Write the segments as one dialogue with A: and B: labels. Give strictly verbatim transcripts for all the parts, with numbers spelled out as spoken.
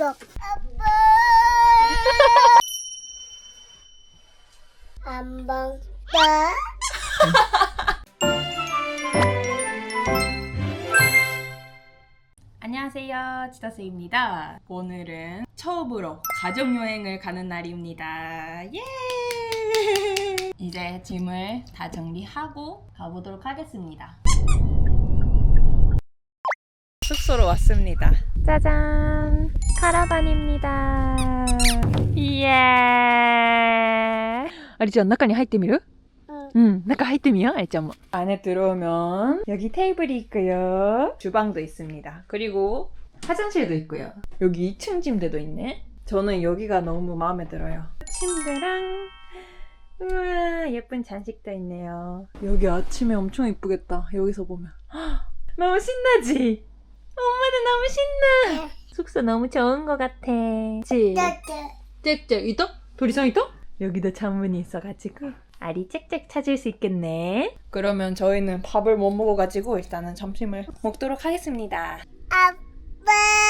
A: 줘. 아빠. 한 번 더.
B: 안녕하세요, 지다스입니다. 오늘은 처음으로 가족여행을 가는 날입니다. 예! 이제 짐을 다 정리하고 가보도록 하겠습니다. 숙소로 왔습니다. 짜잔! 카라반입니다. 이야! ありちゃん中に入ってみる?
A: 응.
B: 응, 나가入ってみよう, 알짱. 안에 들어오면 여기 테이블이 있고요. 주방도 있습니다. 그리고 화장실도 있고요. 여기 이 층 침대도 있네. 저는 여기가 너무 마음에 들어요. 침대랑 우와 예쁜 잔식도 있네요. 여기 아침에 엄청 이쁘겠다. 여기서 보면 너무 신나지? 엄마도 너무 신나. 숙소 너무 좋은 것 같아. 그치? 짹짹 이도? 도리상 이도? 여기도 창문이 있어가지고 알이 짹짹 찾을 수 있겠네. 그러면 저희는 밥을 못 먹어가지고 일단은 점심을 먹도록 하겠습니다.
A: 아빠.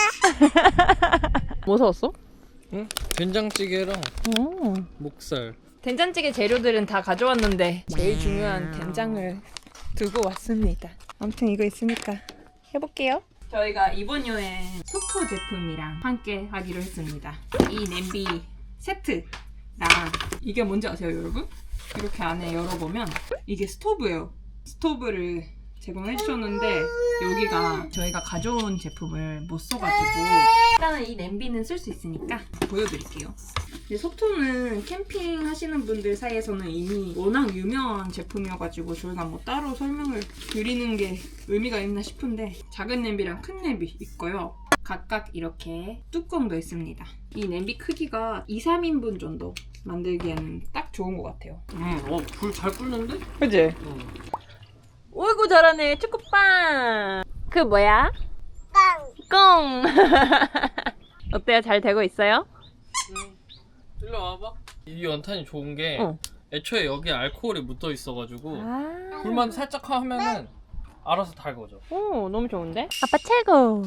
B: 뭐 사왔어?
C: 응? 된장찌개랑
B: 오.
C: 목살.
B: 된장찌개 재료들은 다 가져왔는데 제일 중요한 된장을 두고 왔습니다. 아무튼 이거 있으니까 해볼게요. 저희가 이번 여행 소토 제품이랑 함께 하기로 했습니다. 이 냄비 세트랑 이게 뭔지 아세요, 여러분? 이렇게 안에 열어보면 이게 스토브예요. 스토브를 제공해 주셨는데 여기가 저희가 가져온 제품을 못 써가지고 일단은 이 냄비는 쓸 수 있으니까 보여드릴게요. 근데 소토는 캠핑 하시는 분들 사이에서는 이미 워낙 유명한 제품이어가지고 저희가 뭐 따로 설명을 드리는 게 의미가 있나 싶은데 작은 냄비랑 큰 냄비 있고요. 각각 이렇게 뚜껑도 있습니다. 이 냄비 크기가 이, 삼 인분 정도 만들기에는 딱 좋은 것 같아요.
C: 응, 어, 불 잘 끓는데?
B: 그치?
C: 응.
B: 어이구 잘하네. 초코빵. 그 뭐야?
A: 빵.
B: 꽁. 어때요? 잘 되고 있어요?
C: 응. 일로 와봐. 이 연탄이 좋은 게
B: 어.
C: 애초에 여기에 알코올이 묻어 있어가지고
B: 아.
C: 불만 살짝 하면은 알아서 달궈져.
B: 오, 너무 좋은데? 아빠 최고.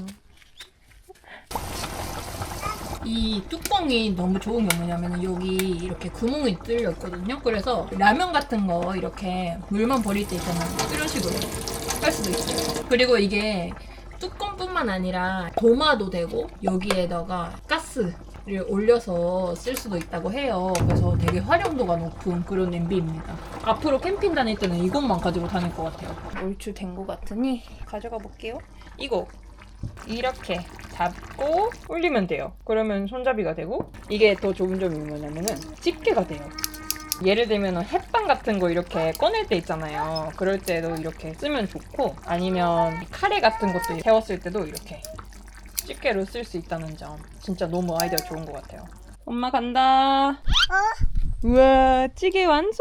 B: 이 뚜껑이 너무 좋은 게 뭐냐면 여기 이렇게 구멍이 뚫려 있거든요. 그래서 라면 같은 거 이렇게 물만 버릴 때 있잖아요. 이런 식으로 할 수도 있어요. 그리고 이게 뚜껑뿐만 아니라 도마도 되고 여기에다가 가스를 올려서 쓸 수도 있다고 해요. 그래서 되게 활용도가 높은 그런 냄비입니다. 앞으로 캠핑 다닐 때는 이것만 가지고 다닐 것 같아요. 얼추 된 것 같으니 가져가 볼게요. 이거 이렇게 잡고 올리면 돼요. 그러면 손잡이가 되고 이게 더 좋은 점이 뭐냐면은 집게가 돼요. 예를 들면 햇반 같은 거 이렇게 꺼낼 때 있잖아요. 그럴 때도 이렇게 쓰면 좋고 아니면 카레 같은 것도 데웠을 때도 이렇게 집게로 쓸 수 있다는 점 진짜 너무 아이디어 좋은 것 같아요. 엄마 간다.
A: 어?
B: 우와 찌개 완성.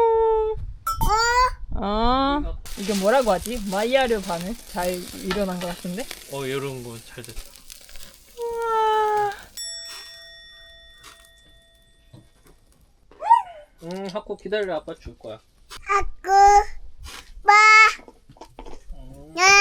A: 어?
B: 어 이게 뭐라고 하지? 마이야르 반을 잘 일어난 것 같은데?
C: 어, 이런 거 잘 됐다.
B: 우와
C: 응, 하코 기다려. 아빠 줄 거야.
A: 아구. 빠.
C: 응.
A: 나.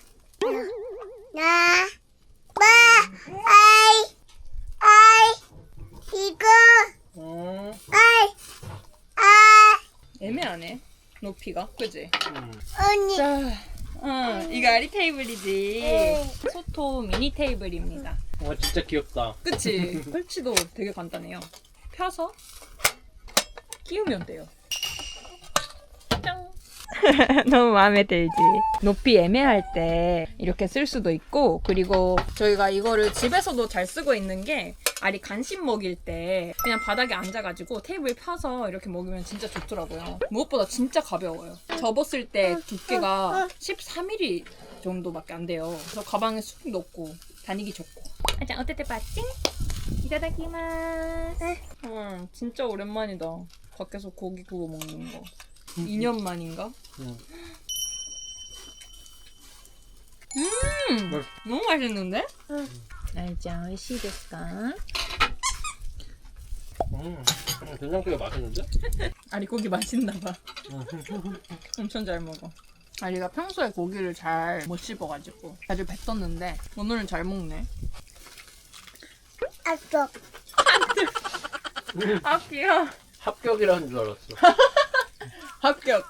A: 나. 빠. 아이. 아이. 이거.
C: 응.
A: 아이. 아.
B: 애매하네 높이가 그지?
C: 응.
A: 언니.
B: 자, 어, 이거 아리 테이블이지.
A: 응.
B: 소토 미니 테이블입니다.
C: 와, 진짜 귀엽다.
B: 그치? 설치도 되게 간단해요. 펴서 끼우면 돼요. 짱! 너무 마음에 들지? 높이 애매할 때 이렇게 쓸 수도 있고 그리고 저희가 이거를 집에서도 잘 쓰고 있는 게 알이 간식 먹일 때 그냥 바닥에 앉아가지고 테이블 펴서 이렇게 먹으면 진짜 좋더라고요. 무엇보다 진짜 가벼워요. 접었을 때 두께가 십삼 밀리미터 정도밖에 안 돼요. 그래서 가방에 쑥 넣고 다니기 좋고. 아장 어때때 빠찡? 이타다키마스. 음, 진짜 오랜만이다. 밖에서 고기 구워 먹는 거. 이 년 만인가?
C: 응.
B: 음,
C: 뭘?
B: 너무 맛있는데?
A: 응.
B: 알짱, 오이시 데스까?
C: 음, 된장찌개 맛있는데?
B: 아리 고기 맛있나 봐.
C: 응.
B: 엄청 잘 먹어. 아리가 평소에 고기를 잘 못 씹어가지고 자주 뱉었는데 오늘은 잘 먹네.
A: 아쪽.
B: 아 귀여워.
C: 합격이라는 줄 알았어.
B: 합격.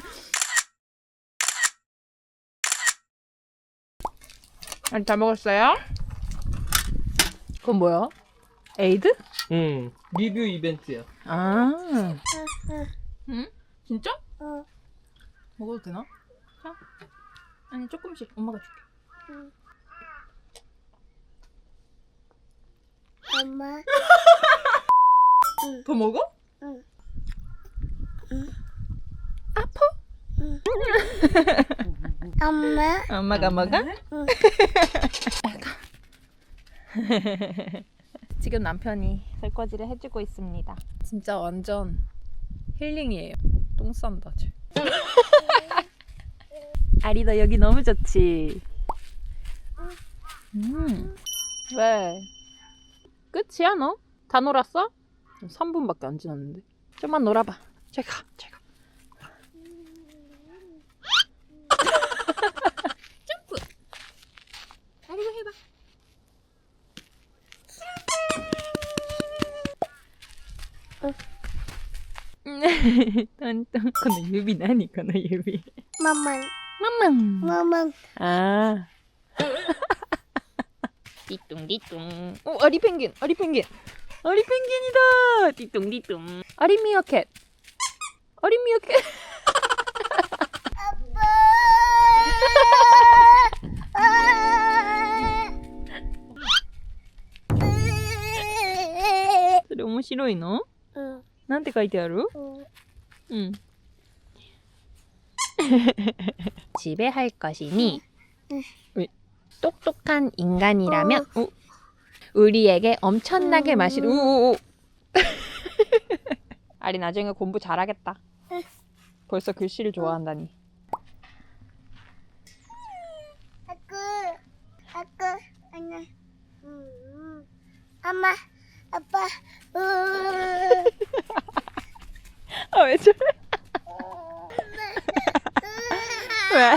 B: 아니 다 먹었어요? 그건 뭐야? 에이드?
C: 응. 리뷰 이벤트야.
B: 아.
A: 응,
B: 응? 진짜?
A: 응,
B: 먹어도 되나? 자. 아니 조금씩 엄마가 줄게.
A: 응. 엄마.
B: 더 먹어?
A: 응.
B: 아파?
A: 응. 엄마.
B: 엄마가 먹어?
A: 응.
B: 지금 남편이 설거지를 해주고 있습니다. 진짜 완전 힐링이에요. 똥 싼다 쟤. 아리 너 여기 너무 좋지? 음. 왜? 끝이야 너? 다 놀았어? 삼 분밖에 안 지났는데. 좀만 놀아봐. 잘 가, 잘 가. 점프. 아리가 해봐. 똥똥. この指何この指
A: 마만.
B: 맘맘
A: 마만.
B: 아 띠뚱띠뚱 오 아리 펭귄 아리 펭귄 아리 펭귄이다 띠뚱띠뚱 아리 미어캣 아리 미어캣それ面白いの
A: 응,
B: なんて書いてある
A: 응.
B: 응. 집에 할 것이니
A: 응.
B: 똑똑한 인간이라면 우, 우리에게 엄청나게
A: 음.
B: 마실 우우우 아리 나중에 공부 잘하겠다.
A: 응.
B: 벌써 글씨를 좋아한다니.
A: 아구, 아구, 아니. 음, 엄마, 아빠. 음.
B: 아 왜 저래? 왜?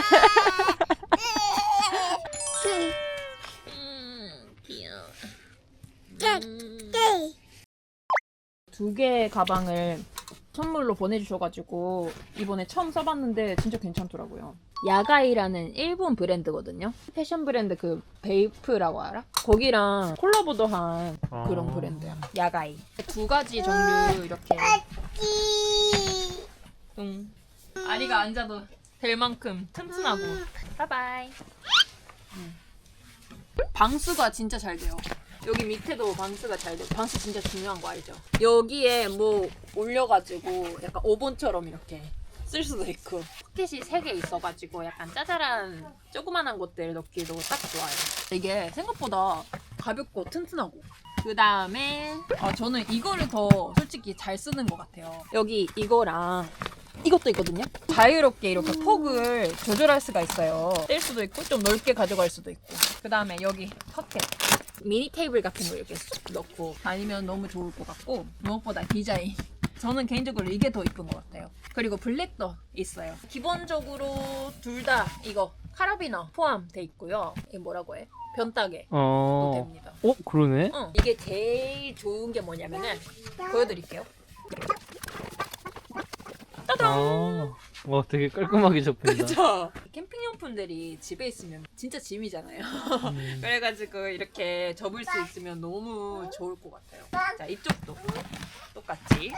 B: 음, 귀여워. 두 개의 가방을 선물로 보내주셔가지고 이번에 처음 써봤는데 진짜 괜찮더라고요. 야가이라는 일본 브랜드거든요. 패션 브랜드 그 베이프라고 알아? 거기랑 콜라보도 한 그런
C: 아.
B: 브랜드야. 야가이. 두 가지 종류 이렇게.
A: 끼.
B: 응. 아리가 앉아도 될 만큼 튼튼하고. 바이바이. 응. 방수가 진짜 잘 돼요. 여기 밑에도 방수가 잘 돼요. 방수 진짜 중요한 거 알죠? 여기에 뭐 올려가지고 약간 오븐처럼 이렇게 쓸 수도 있고 포켓이 세 개 있어가지고 약간 짜잘한 조그만한 것들 넣기도 딱 좋아요. 이게 생각보다 가볍고 튼튼하고 그 다음에 아, 저는 이거를 더 솔직히 잘 쓰는 것 같아요. 여기 이거랑 이것도 있거든요. 자유롭게 이렇게 폭을 조절할 수가 있어요. 뗄 수도 있고 좀 넓게 가져갈 수도 있고 그 다음에 여기 포켓 미니 테이블 같은 거 이렇게 쏙 넣고 다니면 너무 좋을 것 같고 무엇보다 디자인 저는 개인적으로 이게 더 이쁜 것 같아요. 그리고 블랙도 있어요. 기본적으로 둘 다 이거 카라비너 포함돼 있고요. 이게 뭐라고 해? 변따개도
C: 어.
B: 됩니다.
C: 어, 그러네.
B: 응. 이게 제일 좋은 게 뭐냐면은 보여드릴게요.
C: 아. 와, 되게 깔끔하게 접힌다.
B: 그쵸? 캠핑용품들이 집에 있으면 진짜 짐이잖아요.
C: 음.
B: 그래가지고 이렇게 접을 수 있으면 너무 좋을 것 같아요. 자, 이쪽도 똑같이.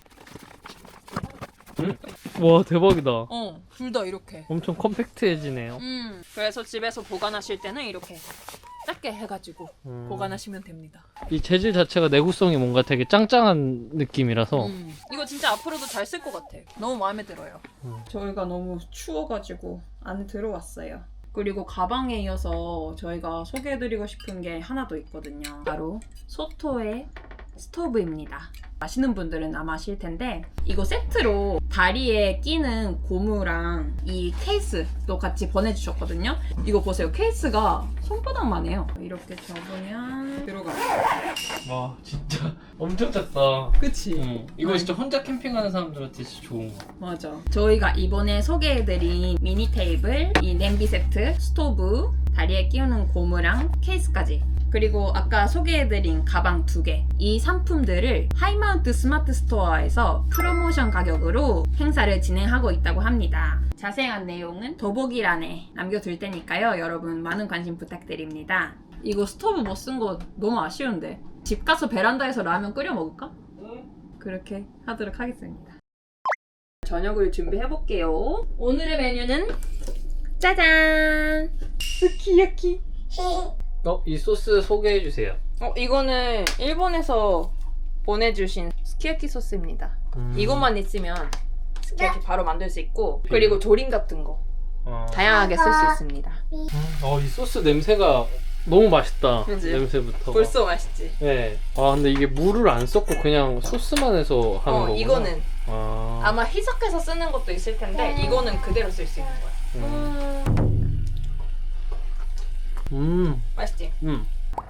C: 음? 와, 대박이다.
B: 어, 둘 다 이렇게.
C: 엄청 컴팩트해지네요.
B: 음, 그래서 집에서 보관하실 때는 이렇게 작게 해가지고
C: 음.
B: 보관하시면 됩니다.
C: 이 재질 자체가 내구성이 뭔가 되게 짱짱한 느낌이라서
B: 음, 이거 진짜 앞으로도 잘 쓸 것 같아. 너무 마음에 들어요.
C: 음.
B: 저희가 너무 추워가지고 안 들어왔어요. 그리고 가방에 이어서 저희가 소개해드리고 싶은 게 하나 더 있거든요. 바로 소토의 스토브입니다. 아시는 분들은 아마 아실 텐데 이거 세트로 다리에 끼는 고무랑 이 케이스도 같이 보내주셨거든요. 이거 보세요. 케이스가 손바닥만 해요. 이렇게 접으면 들어가요.
C: 와, 진짜 엄청 작다.
B: 그치?
C: 응. 이거 진짜 혼자 캠핑하는 사람들한테 진짜 좋은 거.
B: 맞아. 저희가 이번에 소개해드린 미니 테이블, 이 냄비 세트, 스토브,
D: 다리에 끼우는 고무랑 케이스까지, 그리고 아까 소개해드린 가방 두 개, 이 상품들을 하이마운트 스마트 스토어에서 프로모션 가격으로 행사를 진행하고 있다고 합니다. 자세한 내용은 더보기란에 남겨둘 테니까요. 여러분 많은 관심 부탁드립니다. 이거 스토브 못 쓴 거 너무 아쉬운데 집 가서 베란다에서 라면 끓여 먹을까? 그렇게 하도록 하겠습니다. 저녁을 준비해볼게요. 오늘의 메뉴는 짜잔! 스키야키.
C: 어, 이 소스 소개해 주세요.
D: 어, 이거는 일본에서 보내주신 스키야키 소스입니다.
C: 음.
D: 이것만 있으면 스키야키 바로 만들 수 있고, 그리고 조림 같은 거
C: 어.
D: 다양하게 쓸 수 있습니다.
C: 음, 어, 이 소스 냄새가 너무 맛있다.
D: 그치?
C: 냄새부터.
D: 벌써 맛있지?
C: 네. 아, 근데 이게 물을 안 섞고 그냥 소스만 해서 하는
D: 어,
C: 거구나.
D: 이거는
C: 아.
D: 아마 희석해서 쓰는 것도 있을 텐데 이거는 그대로 쓸 수 있는 거야.
C: 음. 음.
D: 맛있지?
C: 음.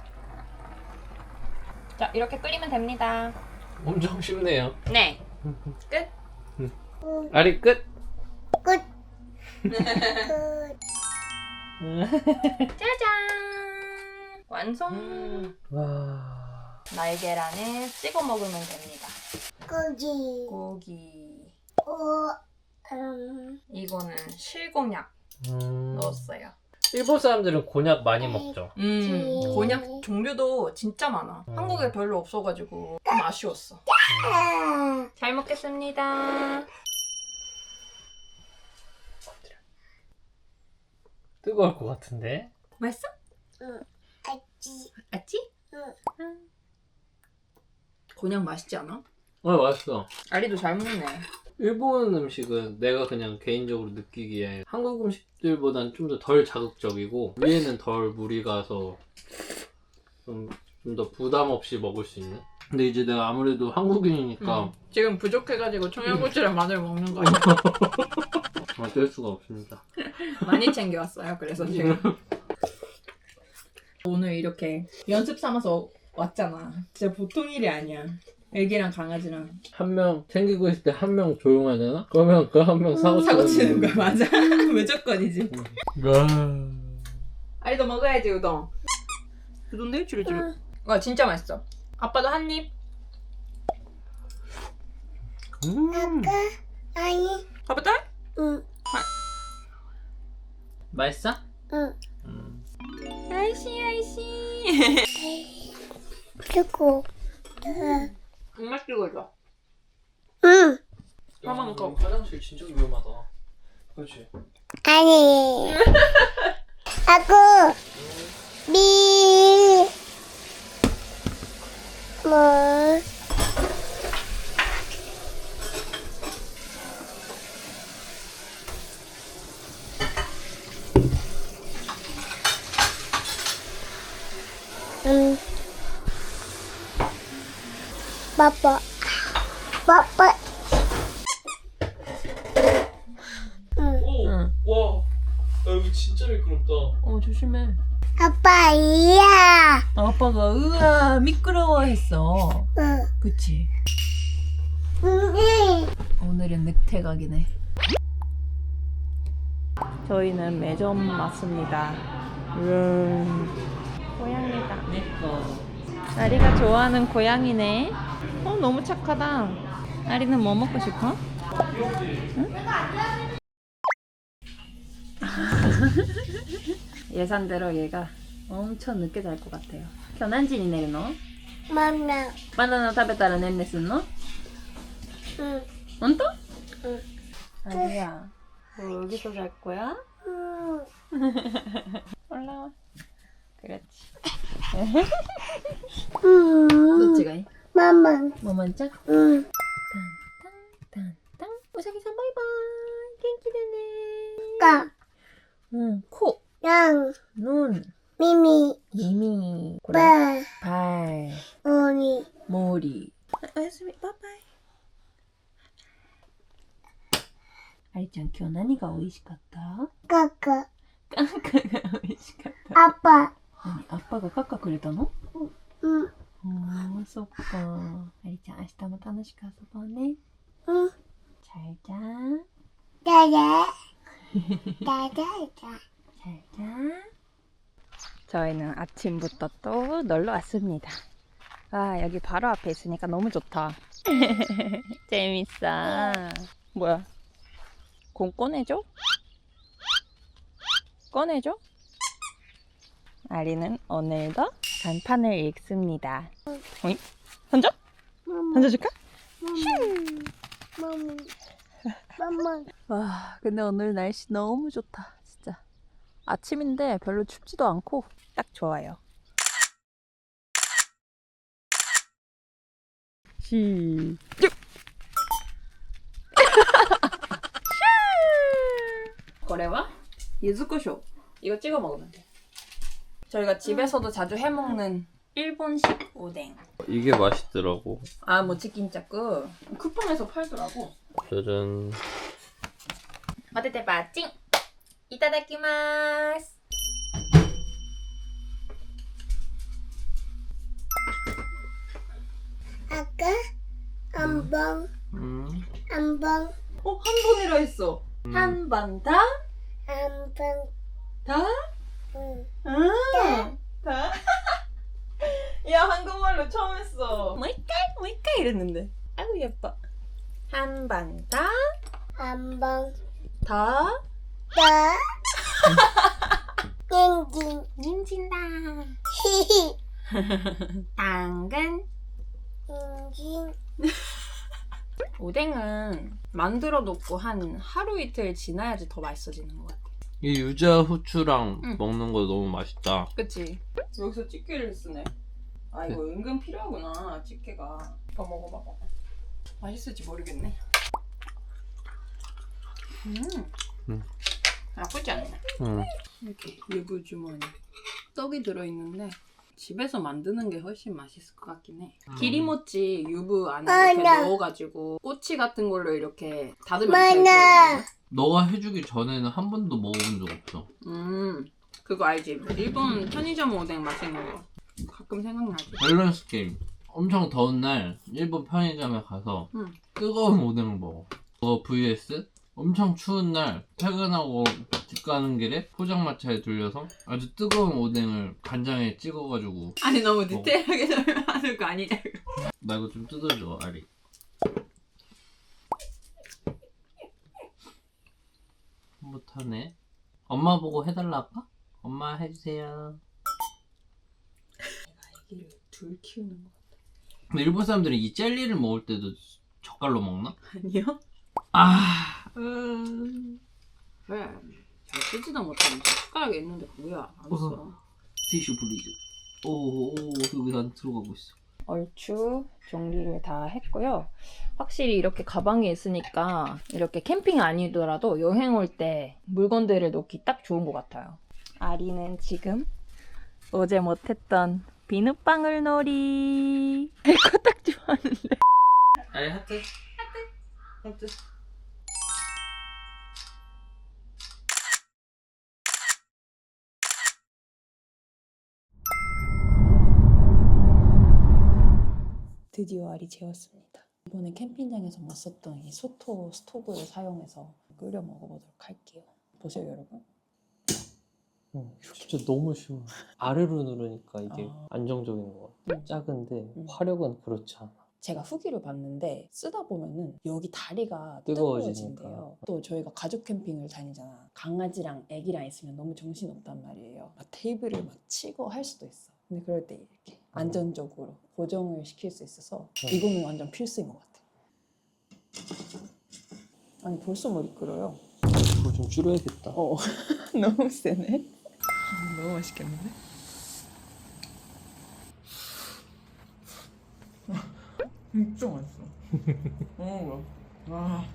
D: 자, 이렇게 끓이면 됩니다.
C: 엄청 쉽네요.
D: 네. 끝.
C: 아리 끝.
A: 끝. 끝.
D: 짜잔! 완성!
C: 와.
D: 날계란에 찍어 먹으면 됩니다.
A: 고기.
D: 고기.
A: 오. 음.
D: 이거는 실곤약
C: 음.
D: 넣었어요.
C: 일본 사람들은 곤약 많이 먹죠.
D: 음, 곤약 종류도 진짜 많아.
C: 음.
D: 한국에 별로 없어가지고 좀 아쉬웠어.
A: 아.
D: 잘 먹겠습니다.
C: 뜨거울 것 같은데.
D: 맛있어?
A: 응. 아찌.
D: 알지?
A: 응.
D: 곤약 맛있지 않아?
C: 어, 맛있어.
D: 아리도 잘 먹네.
C: 일본 음식은 내가 그냥 개인적으로 느끼기에 한국 음식들보단 좀 더 덜 자극적이고 위에는 덜 무리 가서 좀 좀 더 부담 없이 먹을 수 있는. 근데 이제 내가 아무래도 한국인이니까
D: 음. 지금 부족해가지고 청양고추랑 마늘 먹는 거야.
C: 어쩔 수가 없습니다.
D: 많이 챙겨왔어요. 그래서 지금 오늘 이렇게 연습 삼아서 왔잖아. 진짜 보통 일이 아니야. 애기랑 강아지랑
C: 한 명 챙기고 있을 때 한 명 조용하잖아? 그러면 그 한 명 사고
D: 사고 치는
C: 치는
D: 거야. 맞아. 무조건이지.
C: 와.
D: 아리도 먹어야지 우동. 우동도 줄여줄.
A: 응.
D: 와 진짜 맛있어. 아빠도 한 입.
C: 음.
A: 아니.
D: 아빠 딸?
A: 응.
C: 맛있어?
A: 응.
C: 음.
D: 아이씨 아이씨.
A: 그리고. 응.
D: 정말 찍어줘.
A: 응.
D: 밥만 먹고.
C: 화장실 진짜 위험하다. 그렇지.
A: 아니. 아구. 미. 뭐. 응. 빠빠. 빠빠. 응.
C: 오.
D: 응.
C: 와. 야, 여기 진짜 미끄럽다.
D: 어 조심해.
A: 아빠 이야.
D: 아빠가 으아 미끄러워했어.
A: 응.
D: 그치?
A: 응.
D: 오늘은 늑대각이네. 저희는 매점 왔습니다. 음, 고양이다. 아리가 좋아하는 고양이네. 어 너무 착하다. 아리는 뭐 먹고 싶어? 응? 예상대로 얘가 엄청 늦게 잘 것 같아요.今日何時に寝るの?
A: 맘나.
D: 바나나 食べたらねんねすんの?
A: 응.
D: 혼또?
A: 응.
D: 아리야, 너 여기서 잘 거야?
A: 응.
D: 올라와. 그렇지.
A: 응.
D: どっちがいい?
A: 마마.
D: 뭐만짝?
A: 응.
D: 딴딴딴딴. 우사기산 바이바이. 갱기되네.
A: 까.
D: 응. 코,
A: 양.
D: 눈,
A: 미미.
D: 이미, 고래,
A: 빠.
D: 발,
A: 오니.
D: 머리. 아, 오야스미. 바이바이. 아리짱, 今日何が美味しかった?
A: 까까.
D: 까까가 美味しかった.
A: 아빠.
D: 何? 아빠가 까까 くれたの?
A: 응.
D: 어, そっか. 아리짱, 明日も楽しく遊ぼうね.
A: 응.
D: 잘 자.
A: 짜자. 짜자자.
D: 잘 자. 저희는 아침부터 또 놀러 왔습니다. 아, 여기 바로 앞에 있으니까 너무 좋다. 재밌어. 뭐야? 공 꺼내줘? 꺼내줘? 아리는 오늘도 간판을 읽습니다. 어이? 던져? 던져줄까?
A: 맘마. 맘마.
D: 와, 근데 오늘 날씨 너무 좋다. 진짜. 아침인데 별로 춥지도 않고 딱 좋아요. 시작! 거래와 유즈코쇼 이거 찍어 먹으면 돼. 저희가 집에서도 자주 해먹는 일본식 오뎅.
C: 이게 맛있더라고.
D: 아, 모치킨짜꾸 쿠팡에서 팔더라고.
C: 짜잔.
D: 마테테 빠찡! 이타다키마스!
A: 아까 한번
C: 음.
A: 한번
D: 어? 한 번이라 했어.
C: 음.
D: 한 번 더?
A: 한번
D: 더?
A: 응.
D: 응. 다? 야, 한국말로 처음 했어. 뭐이까? 뭐이까? 이랬는데. 아이고, 예뻐. 한 번 더?
A: 한번
D: 더?
A: 더 땡긴
D: 님진다.
A: 히히
D: 당근.
A: 땡긴
D: 오뎅은 만들어 놓고 한 하루 이틀 지나야지 더 맛있어지는 것 같아.
C: 이 유자 후추랑
D: 응.
C: 먹는 거 너무 맛있다.
D: 그치? 여기서 집게를 쓰네. 아, 이거 은근 필요하구나, 집게가. 이거 먹어봐, 먹어. 맛있을지 모르겠네. 음.
C: 음.
D: 나쁘지 않네.
C: 응.
D: 이렇게 유부 주머니. 떡이 들어있는데 집에서 만드는 게 훨씬 맛있을 것 같긴 해.
C: 음.
D: 기리모찌 유부 안에
A: 아,
D: 이렇게
A: 나.
D: 넣어가지고 꼬치 같은 걸로 이렇게 다듬으면
A: 만나.
D: 되거든요.
C: 너가 해주기 전에는 한 번도 먹어본 적 없어.
D: 음, 그거 알지? 일본 편의점 오뎅 맛있는 거. 가끔 생각나지.
C: 밸런스 게임. 엄청 더운 날 일본 편의점에 가서
D: 응.
C: 뜨거운 오뎅을 먹어. 그거 vs 엄청 추운 날 퇴근하고 집 가는 길에 포장마차에 들려서 아주 뜨거운 오뎅을 간장에 찍어가지고.
D: 아니, 너무
C: 먹어.
D: 디테일하게 설명하는 거 아니냐고.
C: 나 이거 좀 뜯어줘, 아리. 못하네. 엄마 보고 해달라 할까? 엄마 해주세요.
D: 아기를 둘 키우는 거.
C: 근데 일본 사람들은 이 젤리를 먹을 때도 젓갈로 먹나?
D: 아니요?
C: 아, 음...
D: 왜? 잘 쓰지도 못하면서 숟가락이 있는데 뭐야? 안 써.
C: 티슈 플리즈. 오, 오, 여기 안 들어가고 있어.
D: 얼추 정리를 다 했고요. 확실히 이렇게 가방에 있으니까 이렇게 캠핑 아니더라도 여행 올 때 물건들을 놓기 딱 좋은 것 같아요. 아리는 지금 어제 못했던 비눗방울 놀이. 이거 딱 좋아하는데.
C: 아리 하트. 하트.
D: 드디어 알이 재웠습니다. 이번에 캠핑장에서 못 썼던 이 소토 스토브를 사용해서 끓여 먹어보도록 할게요. 보세요, 여러분.
E: 응, 진짜 너무 쉬워. 아래로 누르니까 이게
D: 아.
E: 안정적인 것 같아.
D: 음.
E: 작은데
D: 음.
E: 화력은 그렇지 않아.
D: 제가 후기를 봤는데 쓰다 보면은 여기 다리가
E: 뜨거워지니까.
D: 뜨거워진대요. 또 저희가 가족 캠핑을 다니잖아. 강아지랑 애기랑 있으면 너무 정신없단 말이에요. 막 테이블을 막 치고 할 수도 있어. 근데 그럴 때 이렇게 안전적으로 고정을 시킬 수 있어서
E: 음.
D: 이거는 완전 필수인 것 같아. 아니, 벌써 머리 끓어요.
E: 그거 좀 줄여야겠다.
D: 어, 너무 세네. 너무 맛있겠는데? 진짜 맛있어. 어, 와.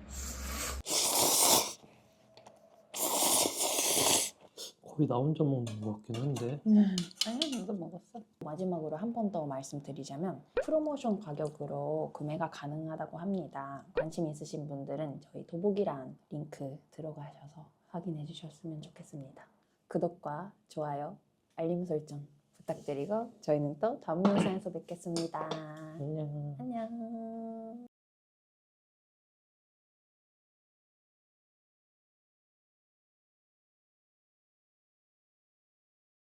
E: 거의 나 혼자 먹는 것 같긴 한데.
D: 아니, 나도 먹었어. 마지막으로 한 번 더 말씀드리자면 프로모션 가격으로 구매가 가능하다고 합니다. 관심 있으신 분들은 저희 도보기란 링크 들어가셔서 확인해 주셨으면 좋겠습니다. 구독과 좋아요, 알림 설정 부탁드리고 저희는 또 다음 영상에서 뵙겠습니다.
E: 안녕.
D: 안녕.